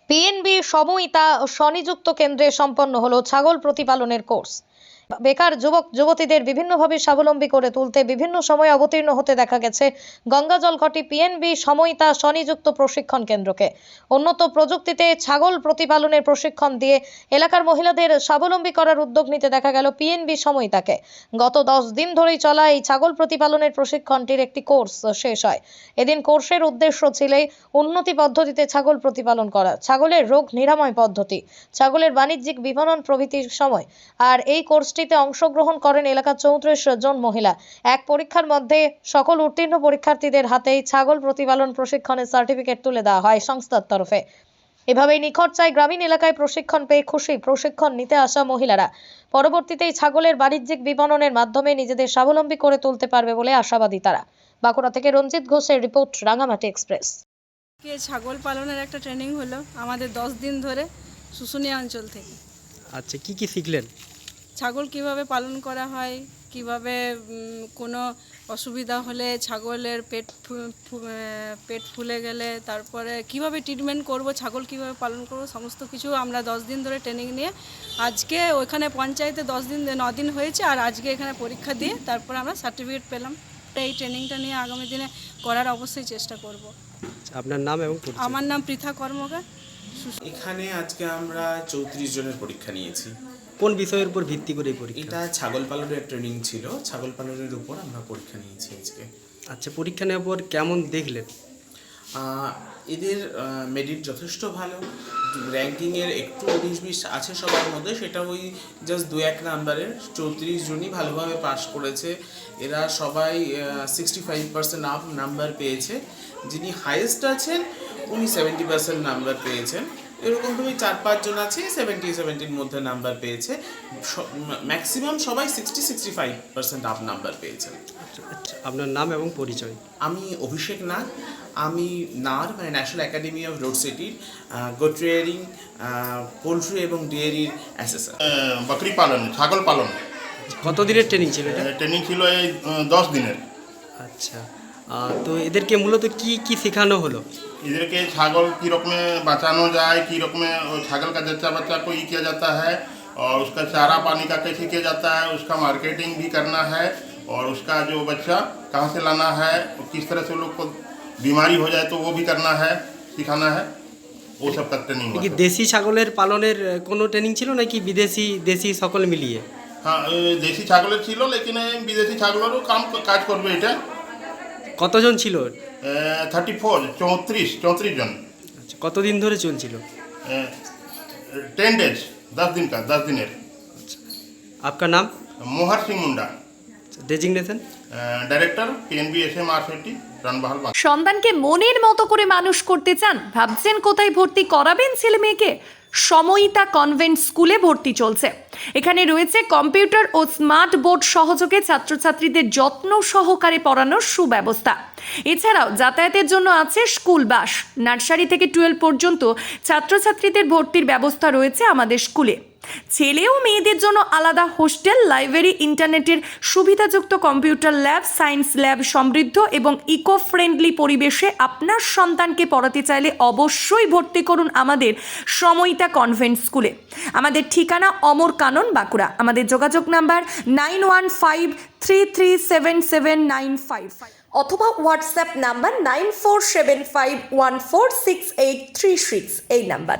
PNB সমইতা স্বনিযুক্ত কেন্দ্রে সম্পন্ন হলো ছাগল প্রতিপালনের কোর্স। বেকার যুবক যুবতীদের বিভিন্নভাবে স্বাবলম্বী করে তুলতে বিভিন্ন সময় অবতীর্ণ হতে দেখা গেছে গঙ্গাজলঘটি পিএনবি সমইতা স্বনিযুক্ত প্রশিক্ষণ কেন্দ্রকে। উন্নত প্রযুক্তিতে ছাগল প্রতিপালনের প্রশিক্ষণ দিয়ে এলাকার মহিলাদের স্বাবলম্বী করার উদ্যোগ নিতে দেখা গেল পিএনবি সমইতাকে। গত 10 দিন ধরেই চলা এই ছাগল প্রতিপালনের প্রশিক্ষণটির একটি কোর্স শেষ হয়। এদিন কোর্সের উদ্দেশ্য ছিল উন্নতি পদ্ধতিতে ছাগল প্রতিপালন করা, ছাগলের রোগ নিরাময় পদ্ধতি, ছাগলের বাণিজ্যিক বিপণন প্রভৃতির সময়। আর এই কোর্সটিতে অংশগ্রহণ করেন এলাকার 34 জন মহিলা। এক পরীক্ষার মধ্যে সকল উত্তীর্ণ পরীক্ষার্থীদের হাতেই ছাগল প্রতিপালন প্রশিক্ষণের সার্টিফিকেট তুলে দেওয়া হয় সংস্থার তরফে। এভাবেই নিখরচায় গ্রামীণ এলাকায় প্রশিক্ষণ পেয়ে খুশি প্রশিক্ষণ নিতে আসা মহিলারা। পরবর্তীতে ছাগলের বাণিজ্যিক বিপণনের মাধ্যমে নিজেদের স্বাবলম্বী করে তুলতে পারবে বলে আশাবাদী তারা। বাঁকুড়া থেকে রঞ্জিত ঘোষের রিপোর্ট, রাঙামাটি এক্সপ্রেস। ছাগল পালনের একটা ট্রেনিং হলো আমাদের 10 দিন ধরে শুশুনিয়া অঞ্চল থেকে। আচ্ছা, কি কি শিখলেন? ছাগল কিভাবে পালন করা হয়, কিভাবে কোনো অসুবিধা হলে ছাগলের পেট ফুলে গেলে তারপরে কিভাবে ট্রিটমেন্ট করব, ছাগল কিভাবে পালন করব, সমস্ত কিছু আমরা 10 দিন ধরে ট্রেনিং নিয়ে আজকে ওইখানে পঞ্চায়েতে 9 দিন হয়েছে, আর আজকে এখানে পরীক্ষা দিয়ে তারপরে আমরা সার্টিফিকেট পেলাম। এই ট্রেনিংটা নিয়ে আগামী দিনে করার অবশ্যই চেষ্টা করব। আপনার নাম এবং পরিচয়? আমার নাম পৃথা কর্মকার। এখানে আজকে আমরা 34 জনের পরীক্ষা নিয়েছি। কোন বিষয়ের উপর ভিত্তি করে পরীক্ষা? এটা ছাগল পালনের ট্রেনিং ছিল, ছাগল পালনের উপর আমরা পরীক্ষা নিয়েছি আজকে। আচ্ছা, পরীক্ষা নেওয়ার পর কেমন দেখলেন? এদের মেরিট যথেষ্ট ভালো, র্যাঙ্কিংয়ের একটু 19-20 আছে সবার মধ্যে, সেটা ওই জাস্ট 2-1 নাম্বারের 34 জনই ভালোভাবে পাস করেছে। এরা সবাই 65% আপ নাম্বার পেয়েছে। যিনি হাইয়েস্ট আছেন উনি 70% নাম্বার পেয়েছেন। এরকম তুমি 4-5 জন আছে 70-70-র মধ্যে নাম্বার পেয়েছে। ম্যাক্সিমাম সবাই 60-65% আপ নাম্বার পেয়েছেন। আচ্ছা, আপনার নাম এবং পরিচয়? আমি অভিষেক নাগ, আমি নার মানে ন্যাশনাল একাডেমি অফ রোড সেফটির গোট রিয়ারিং, পোলট্রি এবং ডেয়ারির অ্যাসেসর। বকরি পালন, ছাগল পালন। কত দিনের ট্রেনিং ছিল এটা? ট্রেনিং ছিল এই 10 দিনের। আচ্ছা, তো এদেরকে মূলত কি কি শেখানো হলো? इधर छागल की रकम बचाना जाए, की रकम छागल का जच्चा बच्चा को ये किया जाता है, और उसका चारा पानी का कैसे किया जाता है, उसका मार्केटिंग भी करना है, और उसका जो बच्चा कहाँ से लाना है, किस तरह से लोग को बीमारी हो जाए तो वो भी करना है, सिखाना है, वो सब का ट्रेनिंग। কি দেশি ছাগলের পালনের কোনো ট্রেনিং ছিল নাকি বিদেশি দেশি সকল মিলিয়ে? हाँ, देशी छागलेर छिलो, लेकिन विदेशी छागलेरও কাজ করবে এটা। কতজন ছিল? 34 জন। আচ্ছা, কতদিন ধরে চলছিল? 10 डेज, 10 दिन का, 10 दिनेर। আপনার নাম? Mohar Singh Munda, designation? Director PNB SM-RCT Ranbahal. সন্তানকে মনের মতো করে মানুষ করতে চান, ভাবছেন কোথায় ভর্তি করাবেন ছেলে মেয়েকে? সমইতা কনভেন্ট স্কুলে ভর্তি চলছে। এখানে রয়েছে কম্পিউটার ও স্মার্ট বোর্ড সহযোগে ছাত্রছাত্রীদের যত্ন সহকারে পড়ানোর সুব্যবস্থা। এছাড়াও যাতায়াতের জন্য আছে স্কুল বাস। নার্সারি থেকে 12 পর্যন্ত ছাত্রছাত্রীদের ভর্তির ব্যবস্থা রয়েছে আমাদের স্কুলে। ছেলে ও মেয়েদের জন্য আলাদা হোস্টেল, লাইব্রেরি, ইন্টারনেটের সুবিধাযুক্ত কম্পিউটার ল্যাব, সায়েন্স ল্যাব সমৃদ্ধ এবং ইকো ফ্রেন্ডলি পরিবেশে আপনার সন্তানকে পড়াতে চাইলে অবশ্যই ভর্তি করুন আমাদের সমইতা কনভেন্ট স্কুলে। আমাদের ঠিকানা অমর কানন, বাঁকুড়া। আমাদের যোগাযোগ নাম্বার 9153377955 অথবা হোয়াটসঅ্যাপ নাম্বার 9475146836 এই নাম্বার।